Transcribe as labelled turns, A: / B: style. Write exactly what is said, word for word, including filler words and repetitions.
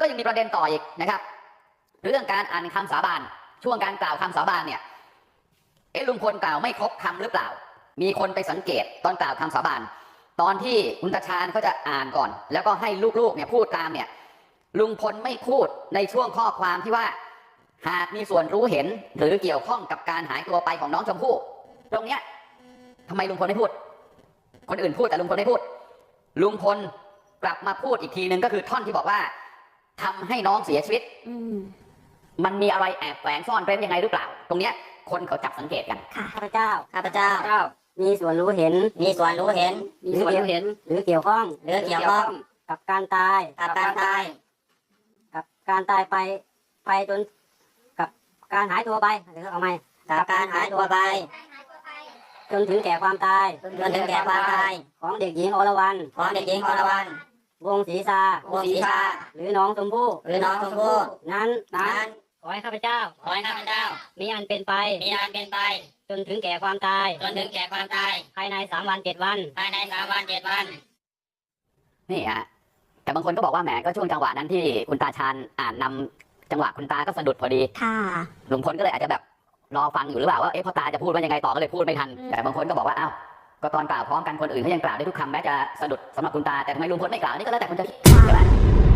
A: ยังมีประเด็นต่ออีกนะครับเรื่องการอ่านคำสาบานช่วงการกล่าวคำสาบานเนี่ยเอ๊ะลุงพลกล่าวไม่ครบคำหรือเปล่ามีคนไปสังเกตตอนกล่าวคำสาบานตอนที่คุณตาชาญเขาจะอ่านก่อนแล้วก็ให้ลูกๆเนี่ยพูดตามเนี่ยลุงพลไม่พูดในช่วงข้อความที่ว่าหากมีส่วนรู้เห็นหรือเกี่ยวข้องกับการหายตัวไปของน้องชมพู่ตรงเนี้ยทำไมลุงพลไม่พูดคนอื่นพูดแต่ลุงพลไม่พูดลุงพลกลับมาพูดอีกทีนึงก็คือท่อนที่บอกว่าทำให้น้องเสียชีวิตมันมีอะไรแอบแฝงซ่อนเร้นยังไงหรือเปล่าตรงเนี้ยคนเขาจับสังเกตกัน
B: ข้าพเจ้า
C: ข้าพเจ้า
B: มีส่วนรู้เห็น
C: มีส่วนรู้เห็น
B: มีส่วนรู้เห็นหรือเกี่ยวข้อง
C: หรือเกี่ยวข้อง
B: กับการตาย
C: กับการตาย
B: กับการตายไปไปจนกับการหายตัวไปหรือเอาไหม
C: กับการหายตัวไป
B: จนถึงแก่ความตาย
C: จนถึงแก่ความตาย
B: ของเด็กหญิงอรวรรณ
C: ของเด็กหญิงอรวรรณ
B: วงศรีชาว
C: งศรีชา
B: หรือน้องชมพู่
C: หรือน้องชมพู่
B: นั้น
C: นั้น
B: ขอให้ข้าพเจ้า
C: ขอให้ข้าพเจ้า
B: มีอันเป็นไป
C: มีอันเป็นไป
B: จนถึงแก่ความตาย
C: จนถึงแก่ความตาย
B: ภายในสามวันเจ็ดวัน
C: ภายในสามวันเจ็ดวัน
A: นี่ฮะแต่บางคนก็บอกว่าแหมก็ช่วงจังหวะนั้นที่คุณตาชาญอ่านนำจังหวะคุณตาก็สะดุดพอดี
B: ค่ะ
A: ลุงพลก็เลยอาจจะแบบรอฟังอยู่หรือเปล่าว่าเอ๊ะพ่อตาจะพูดว่ายังไงต่อก็เลยพูดไม่ทันแต่บางคนก็บอกว่าอ้าวก็ตอนกล่าวพร้อมกันคนอื่นเขายังกล่าวได้ทุกคำแม้จะสะดุดสำหรับคุณตาแต่ทำไมลุงพลไม่กล่าวนี่ก็แล้วแต่คนจะคิดใช่ไหม